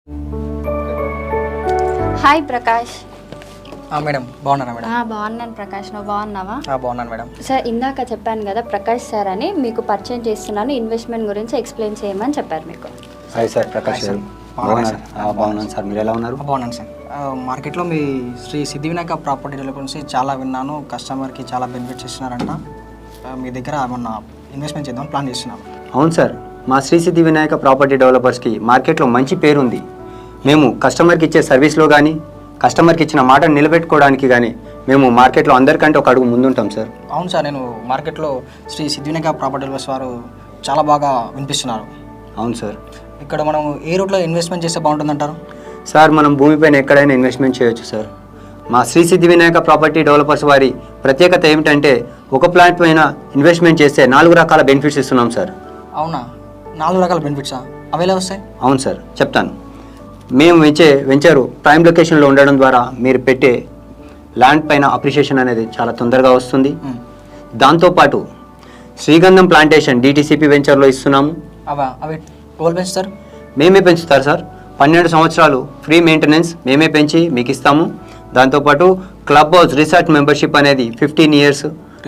Hi Prakash. Madam బాగున్నారా madam? బాగున్నాను ప్రకాష్, నువ్వు బాగున్నావా? బాగున్నాను మేడం. సార్ ఇందాక చెప్పాను కదా ప్రకాష్ సార్ అని, మీకు పరిచయం చేస్తున్నాను, ఇన్వెస్ట్మెంట్ గురించి ఎక్స్ప్లెయిన్ చేయమని చెప్పారు మీకు. Hi sir, Prakash sir. బాగున్నాను సార్, మీరు ఎలా ఉన్నారు? బాగున్నాను సార్. మార్కెట్లో మీ శ్రీ సిద్ధి వినాయక ప్రాపర్టీ డెవలపర్స్ చాలా విన్నాను, కస్టమర్కి చాలా బెనిఫిట్స్ ఇస్తున్నారంట. మీ దగ్గర ఏమన్నా ఇన్వెస్ట్మెంట్ చేద్దాం ప్లాన్ చేస్తున్నాం. అవును సార్, మా శ్రీ సిద్ధి వినాయక ప్రాపర్టీ డెవలపర్స్కి మార్కెట్లో మంచి పేరు ఉంది. మేము కస్టమర్కి ఇచ్చే సర్వీస్లో కానీ, కస్టమర్కి ఇచ్చిన మాటను నిలబెట్టుకోవడానికి కానీ మేము మార్కెట్లో అందరికంటే ఒక అడుగు ముందుంటాం సార్. అవును సార్, నేను మార్కెట్లో శ్రీ సిద్ధి వినాయక ప్రాపర్టీ డెవలపర్స్ వారు చాలా బాగా వినిపిస్తున్నారు. అవును సార్. ఇక్కడ మనం ఏ రూట్లో ఇన్వెస్ట్మెంట్ చేస్తే బాగుంటుందంటారు? సార్, మనం భూమిపైన ఎక్కడైనా ఇన్వెస్ట్మెంట్ చేయొచ్చు సార్. మా శ్రీ సిద్ధి వినాయక ప్రాపర్టీ డెవలపర్స్ వారి ప్రత్యేకత ఏమిటంటే, ఒక ప్లాట్ పైన ఇన్వెస్ట్మెంట్ చేస్తే 4 రకాల బెనిఫిట్స్ ఇస్తున్నాం సార్. అవునా? 4 రకాల బెనిఫిట్సా? అవి ఎలా వస్తాయి? అవును సార్, చెప్తాను. మేము వెంచరు ప్రైమ్ లొకేషన్లో ఉండడం ద్వారా మీరు పెట్టే ల్యాండ్ పైన అప్రిషియేషన్ అనేది చాలా తొందరగా వస్తుంది. దాంతోపాటు శ్రీగంధం ప్లాంటేషన్ డిటిసిపి వెంచర్లో ఇస్తున్నాము. అవి ఎవరు పెంచుతారు? మేమే పెంచుతారు సార్. 12 సంవత్సరాలు ఫ్రీ మెయింటెనెన్స్ మేమే పెంచి మీకు ఇస్తాము. దాంతోపాటు క్లబ్ హౌస్ రిసార్ట్ మెంబర్షిప్ అనేది 15 ఇయర్స్.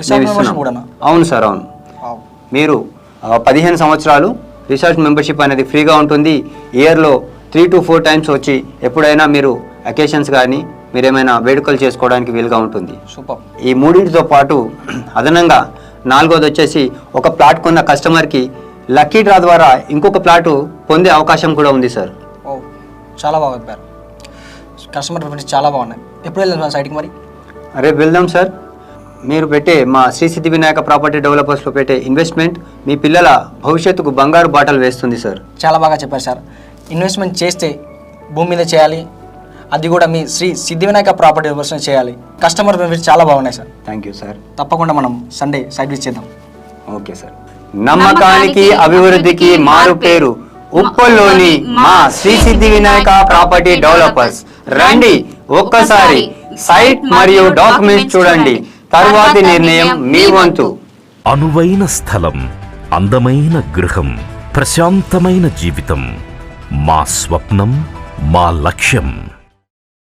అవును సార్, అవును. మీరు 15 సంవత్సరాలు రిసార్ట్ మెంబర్షిప్ అనేది ఫ్రీగా ఉంటుంది. ఇయర్లో 3 to 4 టైమ్స్ వచ్చి ఎప్పుడైనా మీరు అకేషన్స్ కానీ మీరు ఏమైనా వేడుకలు చేసుకోవడానికి వీలుగా ఉంటుంది. సూపర్. ఈ మూడింటితో పాటు అదనంగా 4వది వచ్చేసి, ఒక ప్లాట్ కొన్న కస్టమర్కి లక్కీ డ్రా ద్వారా ఇంకొక ప్లాటు పొందే అవకాశం కూడా ఉంది సార్. ఓ, చాలా బాగా చెప్పారు. కస్టమర్ ప్రిఫరెన్స్ చాలా బాగున్నాయి. ఎప్పుడు వెళ్దాం సైట్కి మరి? రేపు వెళ్దాం సార్. మీరు పెట్టే మా శ్రీ సిద్ధి వినాయక ప్రాపర్టీ డెవలపర్స్లో పెట్టే ఇన్వెస్ట్మెంట్ మీ పిల్లల భవిష్యత్తుకు బంగారు బాటలు వేస్తుంది సార్. చాలా బాగా చెప్పారు సార్. ఇన్వెస్ట్మెంట్ చేస్తే భూమి మీద చేయాలి, అది కూడా మీ శ్రీ సిద్ధి వినాయక ప్రాపర్టీ డెవలపర్స్ చేయాలి. కస్టమర్ బెనిఫిట్స్ చాలా బాగున్నాయి సార్. Thank you sir. తప్పకుండా మనం సండే సైట్ విజిట్ చేద్దాం. Okay sir. నమ్మకానికి అభివృద్ధికి మారు పేరు ఉప్పల్లోని మా శ్రీ సిద్ధి వినాయక ప్రాపర్టీ డెవలపర్స్. రండి, ఒక్కసారి సైట్ మరియు డాక్యుమెంట్స్ చూడండి, తరువాతి నిర్ణయం మీ వంతు. అనువైన స్థలం, అందమైన గృహం, ప్రశాంతమైన జీవితం మా స్వప్నం, మా లక్ష్యం.